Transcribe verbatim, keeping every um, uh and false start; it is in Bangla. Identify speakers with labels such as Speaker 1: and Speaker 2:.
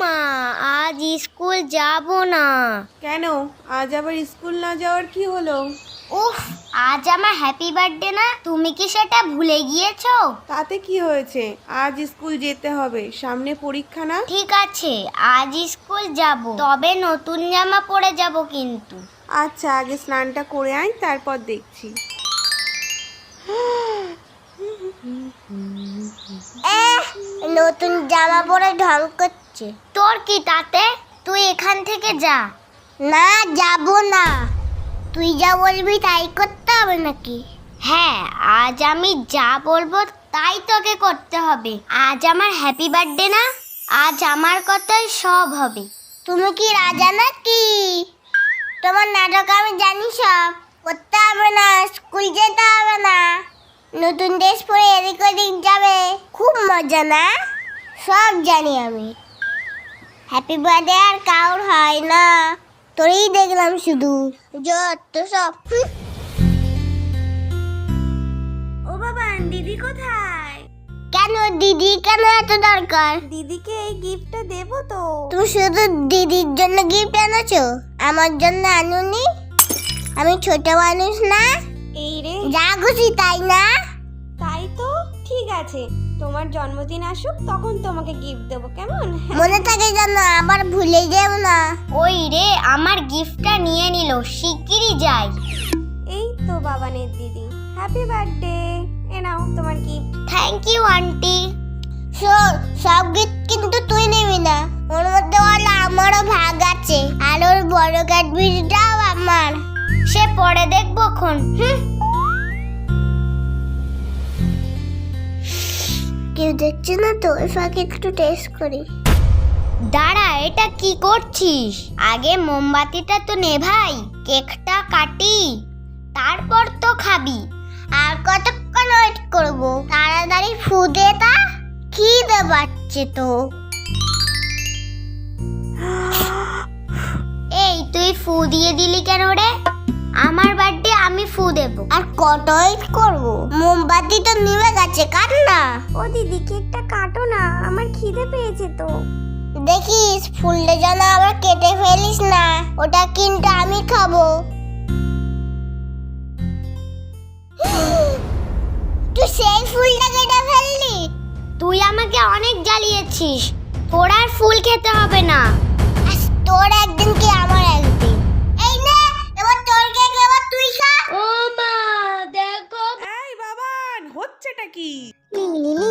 Speaker 1: মা, আজ স্কুল যাব না।
Speaker 2: কেন? আজ আবার স্কুল না যাওয়ার কি হলো?
Speaker 1: উফ, আজ আমার হ্যাপি বার্থডে না, তুমি কি সেটা ভুলে গিয়েছো?
Speaker 2: তাতে কি হয়েছে? আজ স্কুল যেতে হবে, সামনে পরীক্ষা না?
Speaker 1: ঠিক আছে, আজ স্কুল যাব, তবে নতুন জামা পরে যাব কিন্তু।
Speaker 2: আচ্ছা, আগে স্নানটা করে আয়, তারপর দেখছি।
Speaker 1: নতুন জামা পরে ঢং করছে। তোর কি তাতে? তুই এখান থেকে যা। না, যাব না। তুই যা বলবি তাই করতে হবে নাকি? হ্যাঁ, আজ আমি যা বলবো তাই তোকে করতে হবে। আজ আমার হ্যাপি বার্থডে না, আজ আমার কথাই সব হবে। তুমি কি রাজা নাকি? তোমার নাটক আমি জানি সব। করতে হবে না, স্কুল যেতে হবে না, নতুন ড্রেস পরে এদিক ওদিক যাবে, খুব মজা না? সব জানি আমি। হ্যাপি বার্থডে আর কাউর হয় না, তোরই দেখলাম শুধু যত সব। ও বাবা, দিদি কোথায়? কেন দিদি কেন এত দরকার?
Speaker 2: দিদিকে এই গিফটটা দেবো তো।
Speaker 1: তুমি শুধু দিদির জন্য গিফট এনেছো, আমার জন্য আনুনি? আমি ছোট মানুষ না?
Speaker 2: এই রে,
Speaker 1: যা খুশি তাই না?
Speaker 2: তাই তো। ঠিক আছে, তোমার জন্মদিন আসুক, তখন তোমাকে গিফট দেবো, কেমন?
Speaker 1: মনে থাকে যেন, আবার ভুলে যেও না। ওই রে, আমার গিফটটা নিয়ে নিল, শিগগিরই যাই।
Speaker 2: এই তো বাবানের দিদি, হ্যাপি বার্থডে। এ নাও তোমার গিফট।
Speaker 1: Thank you aunty. শোন, সব গিফট কিন্তু তুই নিবি না, ওর মধ্যে বলে আমারও ভাগ আছে, আর ওর বড় ক্যাডবেরিটাও আমার। সে পরে দেখবো খন। কেউ দেখছে না তো, ওই ফাঁকে একটু টেস্ট করি। দাঁড়া, এটা কি করছিস? আগে মোমবাতিটা তো নেভাই, কেকটা কাটি, তারপর তো খাবি। আর কতক্ষণ ওয়েট করবো? তাড়াতাড়ি ফু দে তা, খিদে পাচ্ছে তো। এই তুই ফু দিয়ে দিলি কেন রে? আমার বার্থডে, আমি ফু দেব। আর কত ওয়েট করবো? মোমবাতি তো নিভে গেছে, কাট না।
Speaker 2: ও দিদি, কেকটা কাটো না, আমার খিদে পেয়েছে তো।
Speaker 1: দেখিস ফুলটা যেন আবার কেটে ফেলিস না, ওটা কিন্তু আমি খাবো। তুই সেই ফুলটা কেটে ফেললি? তুই আমাকে অনেক জ্বালিয়েছিস, তোর আর ফুল খেতে হবে না। তোর একদিন কি আমার একদিন। এই নে, এবার তোর কেক, এবার তুই খা। ও মা, দেখো।
Speaker 2: এই বাবান, হচ্ছেটা কি?
Speaker 1: লিলি